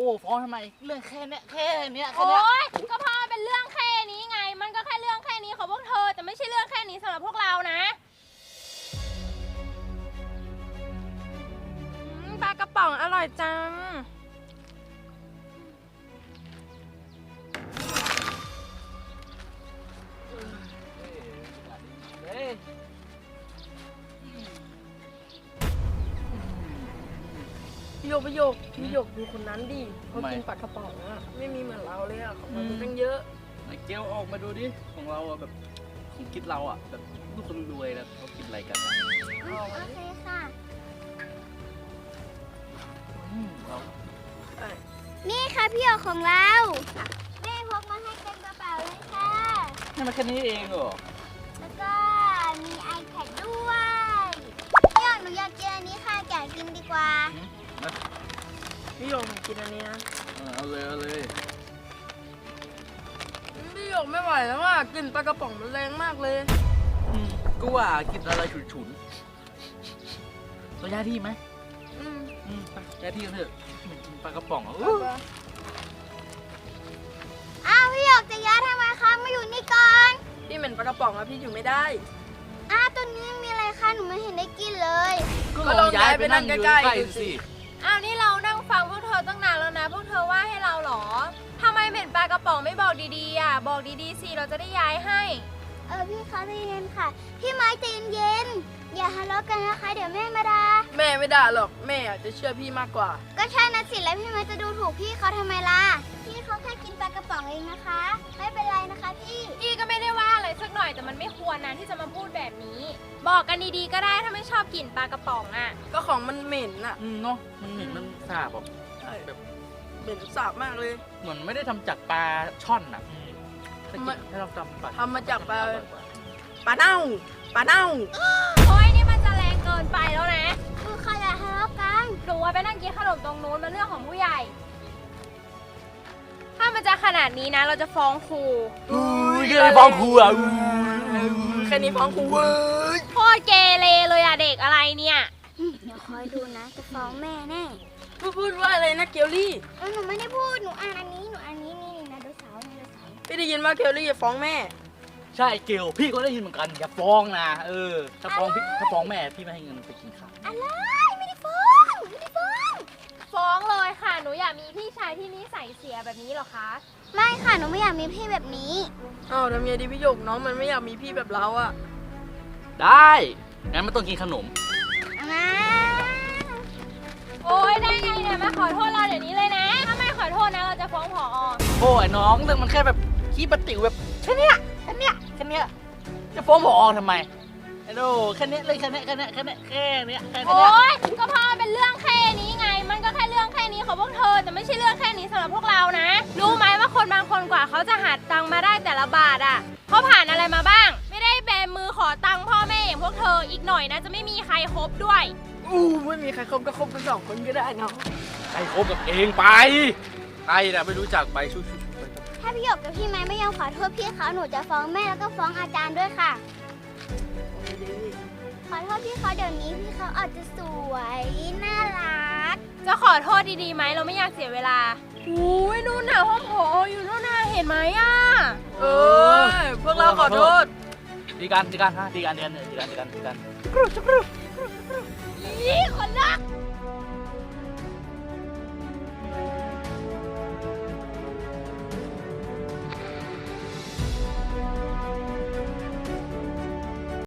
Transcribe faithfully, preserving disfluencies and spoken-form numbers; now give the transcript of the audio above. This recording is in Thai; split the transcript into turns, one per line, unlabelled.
อ้ฟ้องทำไมเรื่องแค่เนี้ยแค่เนี้ยแค่
โอ๊
เนี้ย
ยก็เพราะมันเป็นเรื่องแค่นี้ไงมันก็แค่เรื่องแค่นี้ของพวกเธอแต่ไม่ใช่เรื่องแค่นี้สำหรับพวกเรานะปลากระป๋องอร่อยจัง
พี่โยกพี่โยกพี่โยกดูคนนั้นดิเขากินปลากระป๋องอะไม่มีเหมือนเราเลยอะของเราตั้งเยอะ
ไอ้เกลออกมาดูดิของเราอะแบบของคิดเราอะแบบลูกคนรวยแล้วเขากินอะไรกันอะ
โอเคค่ะ
อืมเรา
นี่ค่ะพี่หยกของเราแม่พกมาให้เต็มกระเป๋าเลยค่ะ
นี่มันแค่นี้เองเหรอ
แล้วก็มี iPad ด้วยพี่หยกหนูอยากกินอันนี้ค่ะแกะกินดีกว่า
พี่โยกผมกินอันนี้นะ
เอาเลยเอาเลย
พี่โยกไม่ไหวแล้วอะกลิ่นปลากระป๋องมันแรงมากเลย
อืมก็ว่ากินอะไรฉุนๆเราย้ายที่ไหม
อืม
อืมไปย้ายที่กันเถอะกินปลากระป๋องอะ
เอา
อู้
ไป
อ้าวพี่หยกจะย้ายทำไมคะมาอยู่นี่ก่อน
พี่เหม็นปลากระป๋องอะพี่อยู่ไม่ได้
อ้าวตัวนี้มีอะไรคะหนูไม่เห็นได้กินเลย
ก็ลองย้ายไปนั่งใกล้ๆ
ๆ
ดู
ดู
สิ
สิ
อ้าวนี่เรานั่งฟังพวกเธอตั้งนานแล้วนะพวกเธอว่าให้เราเหรอทำไมเหม็นปลากระป๋องไม่บอกดีๆอ่ะบอกดีๆสิเราจะได้ย้ายให้
เออพี่คะใจเย็นค่ะพี่ไม้ใจเย็นๆอย่าทะเลาะกันนะคะเดี๋ยวแม่มาด่า
แม่ไม่ด่าหรอกแม่อะจะเชื่อพี่มากกว่า
ก็ใช่นะสิแล้วพี่ไม้จะดูถูกพี่เขาทำไมล่ะพี่เขาแค่กินปลากระป๋องเองนะคะ ไม่เป็นไรนะคะพี่
พี่ก็ไม่ได้ว่าอะไรสักหน่อยแต่มันไม่ควรนะที่จะมาพูดแบบนี้ บอกกันดีๆก็ได้ถ้าไม่ชอบกินปลากระป๋องอ่ะ
ก็ของมันเหม็นอะ
อืมเนาะมันเหม็นมันสาบอ่ะ
ใช่
แบบ
เหม็นสาบมากเลย
เหมือนไม่ได้ทำจากปลาช่อนอ่ะอืมถ้ากิน
มัน
ถ้าเราทำปลา
ทำมาจากปลา ปลาเน่าปลาเน่า
โอ้ยนี่มันจะแรงเกินไปแล้วนะ
คือเขาอย่าทะเลาะกัน
หนูว่าไปนั่งกินขนมตรงนู้นมันเรื่องของผู้ใหญ่ ถ้ามันจะขนาดนี้นะ เราจะฟ้องครู
อุ้ยก็เลยฟ้องครูอ่ะอุ้ย
แค่นี้ฟ้องครูเว้ย
โคตรเกเรเลยอะเด็กอะไรเนี่ย
เดี๋ยวคอยดูนะจะฟ้องแม่แน่
พูดพูดว่าอะไรนะเกลลี่
เออหนูไม่ได้พูดหนูอ่านอันนี้หนูอ่านนี้นี่นะดูเสานี่ดูเสา
พี่ได้ยินว่าเกลลี่จะฟ้องแม่
ใช่เกลพี่ก็ได้ยินเหมือนกันอย่าฟ้องนะเออถ้าฟ้องพี่ถ้าฟ้องแม่พี่ไม่ให้เงินไปกินข้าว
อะไรไม่ได้ฟ้องไม่ได้ฟ้อง
ฟ้องเลยค่ะ หนูอยากมีพี่ชายที่นิสัยเสียแบบนี้เหรอคะ
ไม่ค่ะหนูไม่อยากมีพี่แบบนี้
อ้าวทำไงดีพี่หยกน้องมันไม่อยากมีพี่แบบเราอะ
ได้งั้นไม่ต้องกินขนม
นะ
โอ้ยได้ไงเนี่ยมาขอโทษเราเดี๋ยวนี้เลยนะ ถ้าไม่ขอโทษนะเราจะฟ้องผอ
โอ้ยน้องเรื่องมันแค่แบบขี้ปะติ๋วแบบแค่เนี้ยแค่เนี้ยแค่เนี้ยจะฟ้องผอทำไมไอ้โดแค่เนี้ยเลยแค่เนี้ยแค่เนี้ยแค่เนี้ยแค่เนี้ยแค่เนี้
โอ้
ย
ยก็เพราะมันเป็นเรื่องแค่นี้ไง มันก็แค่เรื่องแค่นี้ของพวกเธอแต่ไม่ใช่เรื่องแค่นี้สำหรับพวกเรานะ รู้ไหมว่าคนบางคนกว่าเขาจะหาตังค์มาได้แต่ละบาทอ่ะเขาผ่านอะไรมาบ้าง ไม่ได้แบมือขอตังค์พ่อแม่อย่างพวกเธออีกหน่อยนะจะไม่มีใครคบด้วย
อู้ไม่มีใครคบก็คบกันสองคนก็ได้เนาะ
ไปคบกับเองไปใครน่ะไม่รู้จักไปชุบๆไป
ถ้าพี่หยกกับพี่ไม้ไม่ยอมขอโทษพี่เขาหนูจะฟ้องแม่แล้วก็ฟ้องอาจารย์ด้วยค่ะ ขอโทษพี่เขาเดี๋ยวนี้พี่เขาอาจจะสวยน่ารัก
จะขอโทษดีๆไหมเราไม่อยากเสียเวลาอุ้ยนู่นน่ะห้องผออยู่นู่นน่ะเห็นไหมอ่ะ
เออพวกเราขอโทษ
ดีกันดีกันฮะดีกันดีกันดีกันดีกันดีกัน
อีคนรัก